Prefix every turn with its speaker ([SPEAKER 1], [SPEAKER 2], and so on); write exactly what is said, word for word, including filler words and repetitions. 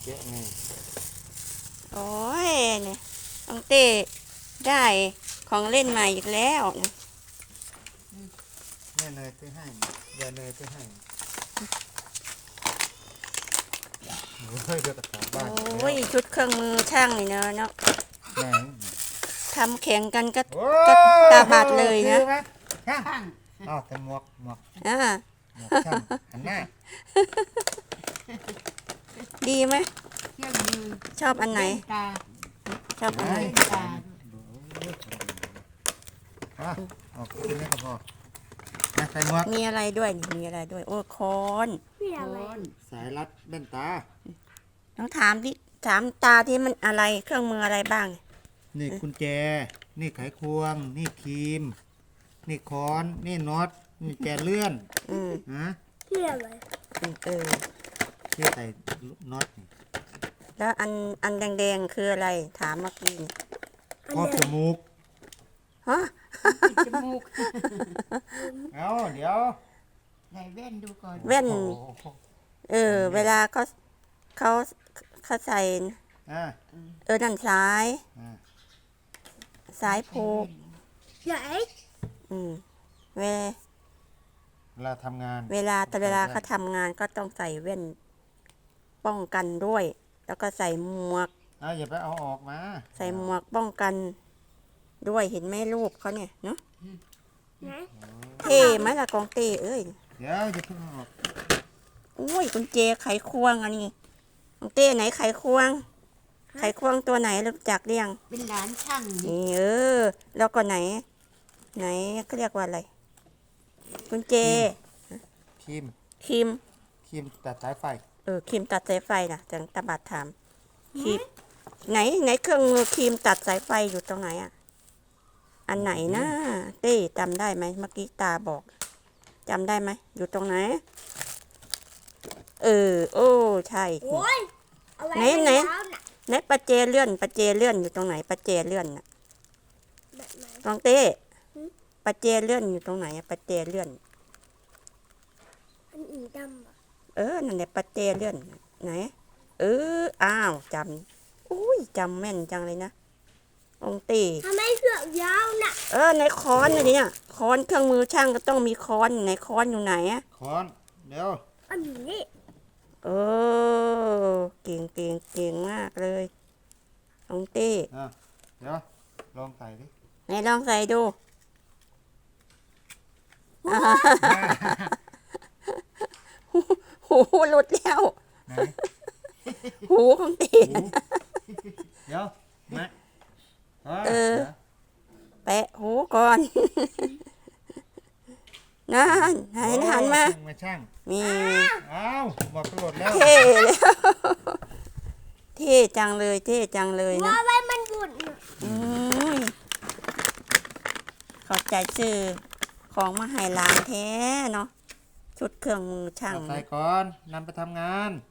[SPEAKER 1] จ๊ะนี่
[SPEAKER 2] โอ้ยเนี่ยน้องเต้ได้ของเล่นใหม่อีกแล้วนะ
[SPEAKER 1] แม่เนยซื้อให้ยายเนยซื้อให้โอ้ยเดี๋ยวกระถางบ้าน
[SPEAKER 2] โอ้ยชุดเครื่องมือช่างนี่เนาะเนาะ
[SPEAKER 1] ไหน
[SPEAKER 2] ทำแข่งกันก็
[SPEAKER 1] โอ้
[SPEAKER 2] ก็ตาบาดเลยนะ
[SPEAKER 1] คือไหมช่าง
[SPEAKER 3] ช่าง
[SPEAKER 1] อ้าวแต่หมวกหมวก
[SPEAKER 2] อ่า
[SPEAKER 1] หมวกช่างหันหน้า
[SPEAKER 2] ดีไหม
[SPEAKER 3] เครื่องมือ
[SPEAKER 2] ชอบอันไหน
[SPEAKER 3] เล่ตา
[SPEAKER 2] ชอบอันไหน
[SPEAKER 3] เล่นตา
[SPEAKER 1] อ่ะออกกินนี่ก็พอนะใส่หมวก
[SPEAKER 2] มีอะไรด้วยนี่มีอะไรด้วย โอ้คอน
[SPEAKER 3] โคน
[SPEAKER 1] สายรัดเล่นตา
[SPEAKER 2] ต้องถามที่ถามตาที่มันอะไรเครื่องมืออะไรบ้าง
[SPEAKER 1] นี่กุญแจ นี่ไขควง นี่ครีม นี่ค้อน นี่น็อต นี่แกเลื่อน
[SPEAKER 2] อืม
[SPEAKER 1] ฮะ
[SPEAKER 3] ที่อะไร
[SPEAKER 2] อืมเออ
[SPEAKER 1] ที่ใส่น็อตนี่
[SPEAKER 2] แล้วอันอันแดงๆคืออะไร ถามเมื่อกี้นี่
[SPEAKER 1] ครอบจมูก
[SPEAKER 2] ฮะ
[SPEAKER 3] ปิดจมูก
[SPEAKER 1] เอาเดี๋ยว
[SPEAKER 3] ใส่แว่นดูก่อน
[SPEAKER 2] แว่น
[SPEAKER 1] โอ้โห
[SPEAKER 2] เออ เวลาเขาเขาเขาใส่
[SPEAKER 1] อ่า
[SPEAKER 2] เออนั่นสาย
[SPEAKER 1] อ่า
[SPEAKER 2] สายผูก
[SPEAKER 3] ใหญ่
[SPEAKER 2] อืมเว
[SPEAKER 1] เวลาทำงาน
[SPEAKER 2] เวลาแต่เวลาเขาทำงานก็ต้องใส่แว่นป้องกันด้วย แล้วก็ใส่หมวก
[SPEAKER 1] เอาอย่าไปเอาออกมา
[SPEAKER 2] ใส่หมวกป้องกันด้วยเห็นไหมรูปเขาเนี่ยเนาะ
[SPEAKER 3] นะ
[SPEAKER 2] เท่ไหมล่ะกองเต้เอ้ย
[SPEAKER 1] เดี๋ยวอย่าเพิ่งเอาออก
[SPEAKER 2] อุ้ยกุญแจไขควงอันนี้กองเต้ไหนไขควง ไขควงตัวไหนรู้จักเรียง
[SPEAKER 3] เป็นหลานช่างนี่
[SPEAKER 2] นี่เออ แล้วก็ไหน ไหนเขาเรียกว่าอะไรกุญแจ
[SPEAKER 1] ครีม
[SPEAKER 2] ครีม
[SPEAKER 1] ครีมตัดสายไฟ
[SPEAKER 2] เออครีมตัดสายไฟนะจังตาบัดถามครีมไหนไหนเครื่องมือครีมตัดสายไฟอยู่ตรงไหนอ่ะอันไหนนะเต้จำได้ไหมเมื่อกี้ตาบอกจำได้ไหมอยู่ตรงไหน เออ โอ้ใช่
[SPEAKER 3] โอ้ยเอาไว้
[SPEAKER 2] ไหนไหน
[SPEAKER 3] เท้าน่ะ
[SPEAKER 2] ไหนประเจเลื่อนประเจเลื่อนอยู่ตรงไหนประเจเลื่อนน่ะ
[SPEAKER 3] แบบไหน
[SPEAKER 2] ตองเต้ประเจเลื่อนอยู่ตรงไหนอะประเจเลื่อน
[SPEAKER 3] อันอีดำอ่ะ
[SPEAKER 2] เออนั่นแหละประเจเลื่อนไหนเอออ้าวจำอุ้ยจำแม่นจังเลยนะองค์ตี
[SPEAKER 3] ทำไมเสือกยาวน่ะ
[SPEAKER 2] เออในค้อนน่ะเนี่ยค้อนเครื่องมือช่างก็ต้องมีค้อนในค้อนอยู่ไหนอะ
[SPEAKER 1] ค้อน เดี๋ยว
[SPEAKER 3] อันนี้
[SPEAKER 2] เออเก่งเก่งเก่งมากเลยองค์ตี
[SPEAKER 1] อ่ะเดี๋ยว ลองใส่ดิ
[SPEAKER 2] ไหนลองใส่ดูหูหลุดแล้ว
[SPEAKER 1] ไหน
[SPEAKER 2] หูของตี
[SPEAKER 1] หูเดี๋ยวมา
[SPEAKER 2] เออ
[SPEAKER 1] ดี๋ยว
[SPEAKER 2] แปะหูก่อน นั่นหันหันมา
[SPEAKER 1] ช่งมาช่าง
[SPEAKER 2] มี
[SPEAKER 1] อ้าวบอกกระโดดแล้ว
[SPEAKER 2] เท่แล้วเท่จังเลยเท่จังเลยนะ
[SPEAKER 3] ว่าไว้มันบุญน่ะ
[SPEAKER 2] อืมขอบใจซื้อของมาให้หลานแท้เนาะชุดเครื่องมือช่าง
[SPEAKER 1] เอาใส่ก่อนนำไปทำงาน